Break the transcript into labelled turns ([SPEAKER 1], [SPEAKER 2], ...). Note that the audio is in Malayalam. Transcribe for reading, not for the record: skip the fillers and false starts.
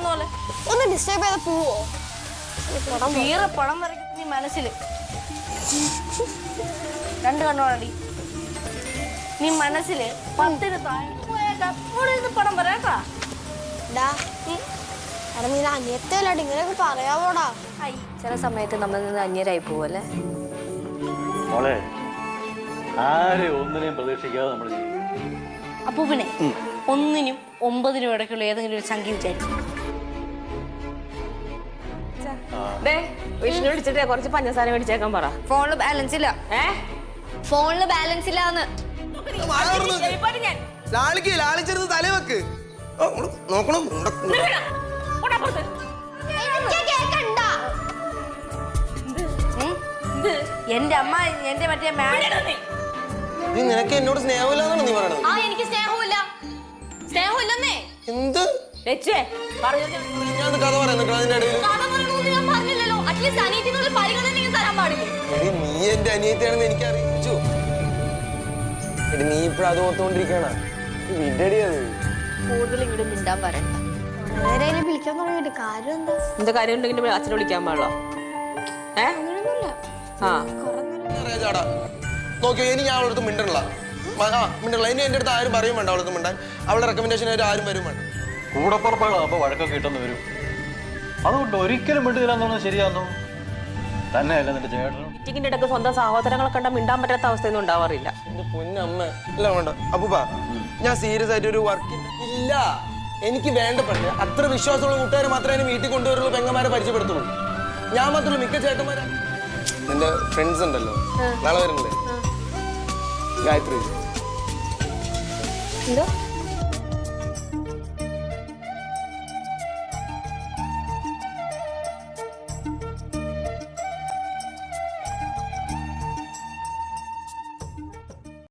[SPEAKER 1] പോലെ
[SPEAKER 2] ഒന്ന് ഡിസ്റ്റർബ് ചെയ്ത പോവോ?
[SPEAKER 1] വീറെ പടം വരയ്ക്കുന്ന നീ മനസ്സില് 2 കണ്ണോടി നീ മനസ്സില് 10 പടം വരാട്ടാ.
[SPEAKER 2] നീ അനിയത്തല്ലാണ്ട് ഇങ്ങനെയൊക്കെ പറയാവോടാ?
[SPEAKER 3] ചില സമയത്ത് നമ്മൾ നിന്ന് അന്യരായി പോവല്ലേ.
[SPEAKER 4] ഒന്നിനെയും പ്രതീക്ഷിക്കാതെ നമ്മൾ
[SPEAKER 1] അപ്പൂപ്പിനെ 1-നും 9-നും ഇടയ്ക്കുള്ള ഏതെങ്കിലും ഒരു സംഖ്യ വിചാരിക്കും.
[SPEAKER 3] വിഷ്ണു വിളിച്ചിട്ട് കുറച്ച് പഞ്ചസാര മേടിച്ചേക്കാൻ പറ.
[SPEAKER 1] ഫോണില് ബാലൻസ് ഇല്ല.
[SPEAKER 3] ഫോണില് ബാലൻസ് ഇല്ലാന്ന്.
[SPEAKER 5] ലാളിച്ചെടുത്ത് തലവെക്ക് നോക്കണം.
[SPEAKER 1] എന്റെ അമ്മ എന്റെ മറ്റേ
[SPEAKER 5] നിനക്ക് എന്നോട് സ്നേഹമില്ലാന്നാണ് നീ പറയണത്?
[SPEAKER 3] എനിക്ക് സ്നേഹമില്ല. സ്നേഹമില്ലെന്നേ.
[SPEAKER 5] എന്ത് ഞാൻ കഥ പറയുന്നു അതിന്റെ
[SPEAKER 3] പറഞ്ഞില്ലല്ലോ. അറ്റ്ലീസ്റ്റ് അനിയത്തിനുള്ള പരിഗണന തരാൻ പാടില്ലേ?
[SPEAKER 5] നീ എന്റെ അനിയത്തിയാണെന്ന് എനിക്ക് അറിയിച്ചു. നീ ഇപ്പഴും അത് ഓർത്തുകൊണ്ടിരിക്കണ
[SPEAKER 3] കൂടുതൽ ഇങ്ങോട്ട് മിണ്ടാൻ പറയണ്ട.
[SPEAKER 2] വിളിക്കാൻ തുടങ്ങിയിട്ട് കാര്യം എന്താ?
[SPEAKER 3] എന്താ കാര്യം ഉണ്ടെങ്കിൽ അച്ഛനെ വിളിക്കാൻ പാടില്ല.
[SPEAKER 5] നോക്കിയോ, ഇനി ഞാൻ അവളടുത്ത് മിണ്ടണില്ല. ഇനി എന്റെ അടുത്ത് ആരും പറയും വേണ്ട അവളടുത്ത് മിണ്ടാൻ. അവളുടെ റെക്കമെൻഡേഷൻ ആരും വരും വേണ്ട.
[SPEAKER 4] കൂടപ്പുറപ്പാകുമ്പോ വഴക്കൊക്കെ കിട്ടുന്ന വരും. അതുകൊണ്ട് ഒരിക്കലും മിണ്ടുകയെന്നു ശരിയാന്നു തന്നെയല്ല നിന്റെ ചേട്ടനും.
[SPEAKER 3] മീറ്റിങ്ങിന്റെ ഇടയ്ക്ക് സ്വന്തം സഹോദരങ്ങളെ കണ്ട മിണ്ടാൻ പറ്റാത്ത അവസ്ഥയൊന്നും ഉണ്ടാവാറില്ല.
[SPEAKER 5] എന്റെ പൊന്നമ്മ ഇല്ല വേണ്ട. അപ്പൂപ്പ ഞാൻ സീരിയസ് ആയിട്ട് ഒരു വർക്ക് ഇല്ല. എനിക്ക് വേണ്ടപ്പെട്ട അത്ര വിശ്വാസമുള്ള കൂട്ടുകാരെ മാത്രമേ വീട്ടിൽ കൊണ്ടുവരുള്ളൂ, പെങ്ങന്മാരെ പരിചയപ്പെടുത്തുള്ളൂ. ഞാൻ മാത്രമല്ല, മിക്ക ചേട്ടന്മാരെ നിന്റെ ഫ്രണ്ട്സ് ഉണ്ടല്ലോ, നാളെ വരുന്നില്ലേ? ഗായത്രി.
[SPEAKER 3] എന്തോ